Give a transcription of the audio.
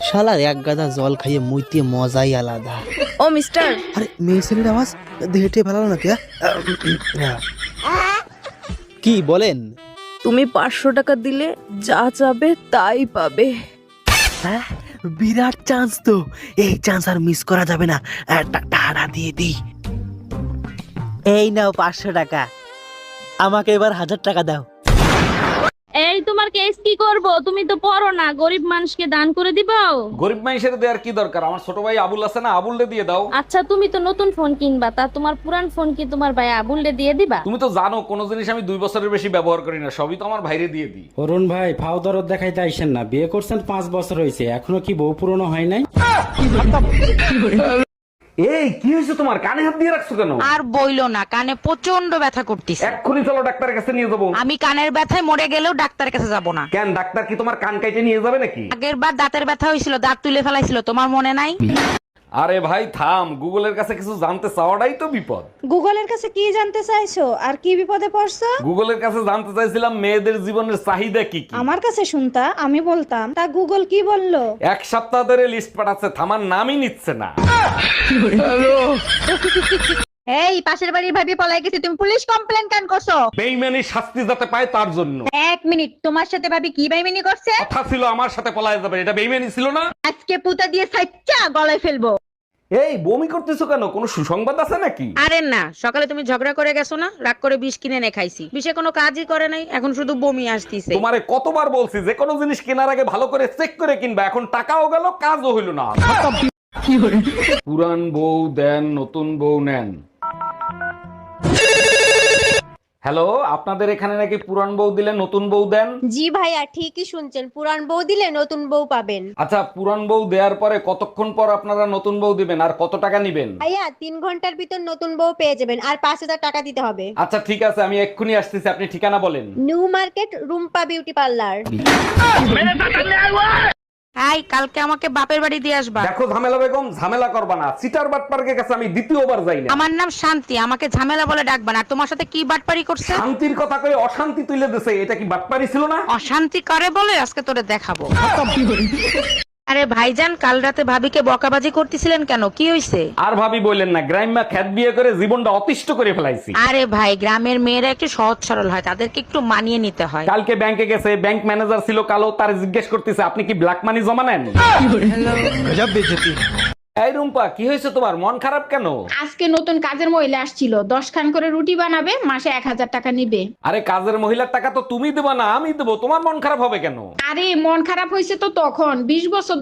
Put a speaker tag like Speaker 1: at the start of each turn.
Speaker 1: শালার এক গাদা জল খাইয়ে মুইতে মজাই আলাদা।
Speaker 2: ও মিস্টার,
Speaker 1: আরে মেয়ে ছেলের আওয়াজ হেঁটে ফেলালো নাকি? কি বলেন?
Speaker 2: তুমি 500 টাকা দিলে যা চাবে তাই পাবে।
Speaker 1: হ্যাঁ, বিরাট চান্স তো, এই চান্স আর মিস করা যাবে না। টাকা দিয়ে দিই। এই নাও 500 টাকা, আমাকে এবার 1000 টাকা দাও।
Speaker 3: এই তোমার কেস কি করব? তুমি তো পড়ো না, গরিব মানুষকে দান করে দিবাও।
Speaker 4: গরিব মানুষের দেওয়ার কি দরকার? আমার ছোট ভাই আবুল আছে না, আবুলরে দিয়ে দাও।
Speaker 3: আচ্ছা তুমি তো নতুন ফোন কিনবা, তা তোমার পুরান ফোন কি তোমার ভাই আবুলরে দিয়ে দিবা?
Speaker 4: তুমি তো জানো কোনো জিনিস আমি 2 বছরের বেশি ব্যবহার করি না, সবই তো আমার ভাইরে দিয়ে দিই।
Speaker 5: অরুণ ভাই, ফাও দরদ দেখাইতে আইসেন না। বিয়ে করছেন 5 বছর হয়েছে, এখনো কি বউ পুরনো হয় নাই?
Speaker 4: এই কি হয়েছে তোমার? কানে হাত দিয়ে রাখছো কেন?
Speaker 6: আর বইলো না, কানে প্রচন্ড ব্যথা করতেছে।
Speaker 4: এক্ষুনি চলো ডাক্তারের কাছে নিয়ে যাবো।
Speaker 6: আমি কানের ব্যথায় মরে গেলেও ডাক্তারের কাছে যাব না।
Speaker 4: কেন, ডাক্তার কি তোমার কান কাইটে নিয়ে যাবে নাকি?
Speaker 6: আগের বার দাঁতের ব্যথা হয়েছিল, দাঁত তুলে ফেলাইছিল, তোমার মনে নাই?
Speaker 4: আরে ভাই থাম, গুগলের কাছে কিছু জানতে চাওয়াটাই তো বিপদ।
Speaker 7: গুগলের কাছে কি জানতে চাইছো আর কি বিপদে পড়ছো?
Speaker 4: গুগলের কাছে জানতে চাইছিলাম মেয়েদের জীবনের চাহিদা কি কি।
Speaker 7: আমার কাছে শুনতা, আমি বলতাম, তা গুগল কি বললো?
Speaker 4: 1 সপ্তাহ ধরে লিস্ট পাঠাচ্ছে, থামার নামই নিচ্ছে না।
Speaker 8: এই পাশের বাড়ির ভাবি পলাই গেছে, তুমি পুলিশ কমপ্লেন কেন করছো?
Speaker 4: বেইমানি শাস্তি যাতে পায় তার জন্য।
Speaker 8: 1 মিনিট, তোমার সাথে ভাবি কি বেইমানি করছে?
Speaker 4: কথা ছিল আমার সাথে পলায় যাবে, এটা বেইমানি ছিল না?
Speaker 8: আজকে পুতা দিয়ে সাইচ্চা গলায় ফেলবো।
Speaker 4: এই বমি করতেছো কেন? কোনো সুসংবাদ আছে নাকি?
Speaker 6: আরে না, সকালে তুমি ঝগড়া করে গেছো না, রাগ করে বিষ কিনে এনে খাইছি। বিষে কোনো কাজই করে নাই, এখন শুধু বমি আসতিছে।
Speaker 4: তোমারে কতবার বলছি যে কোনো জিনিস কেনার আগে ভালো করে চেক করে কিনবা, এখন টাকাও গেল কাজও হইল না। পুরান বউ দেন, নতুন বউ নেন। হ্যালো, আপনাদের এখানে নাকি পুরান বউ দিলে নতুন বউ দেন?
Speaker 8: জি ভাইয়া, ঠিকই শুনছেন, পুরান বউ দিলে নতুন বউ পাবেন।
Speaker 4: আচ্ছা, পুরান বউ দেওয়ার পরে কতক্ষণ পর আপনারা নতুন বউ দিবেন আর কত টাকা নিবেন?
Speaker 8: ভাইয়া 3 ঘন্টার ভিতর নতুন বউ পেয়ে যাবেন, আর 5000 টাকা দিতে হবে।
Speaker 4: আচ্ছা ঠিক আছে, আমি এক্ষুনি আসতেছি, আপনি ঠিকানা বলেন।
Speaker 8: New market, Rumpa beauty parlour.
Speaker 6: এই কালকে আমাকে বাপের বাড়ি দিয়ে আসবা।
Speaker 4: দেখো ঝামেলা বেগম, ঝামেলা করবা না। সিটার বাটপার্কের কাছে আমি দ্বিতীয়বার যাই না।
Speaker 6: আমার নাম শান্তি, আমাকে ঝামেলা বলে ডাকবা না। আর তোমার সাথে কি বাটপারি করছে?
Speaker 4: শান্তির কথা কই অশান্তি তুলে দিছে, এটা কি বাটপারি ছিল না?
Speaker 6: অশান্তি করে বলে আজকে তোরে দেখাবো। আরে ভাইজান, কাল রাতে ভাবিকে বকাবাজি করতেছিলেন কেন? কি হইছে?
Speaker 4: আর ভাবি বললেন না, গ্রাম্যা খ্যাত বিয়ে করে জীবনটা অতিষ্ঠ করে ফেলাইছি।
Speaker 6: আরে ভাই, গ্রামের মেয়েরা একটু সহজ সরল হয়, তাদেরকে একটু মানিয়ে নিতে হয়।
Speaker 4: কালকে ব্যাংকে গেছে, ব্যাংক ম্যানেজার ছিল কালো, তার জিজ্ঞেস করতেছে আপনি কি ব্ল্যাক মানি জমা নেন? এই রুম্পা, কি হয়েছে তোমার? মন খারাপ কেন?
Speaker 9: আজকে নতুন কাজের মহিলা আসছিল, 10 খান করে রুটি বানাবে, মাসে 1000 টাকা নিবে।
Speaker 4: আরে কাজের মহিলার টাকা তো তুমি দেবা না, আমি দেবো, তোমার মন খারাপ হবে কেন?
Speaker 9: আরে মন খারাপ হয়েছে তো তখন, 20 বছর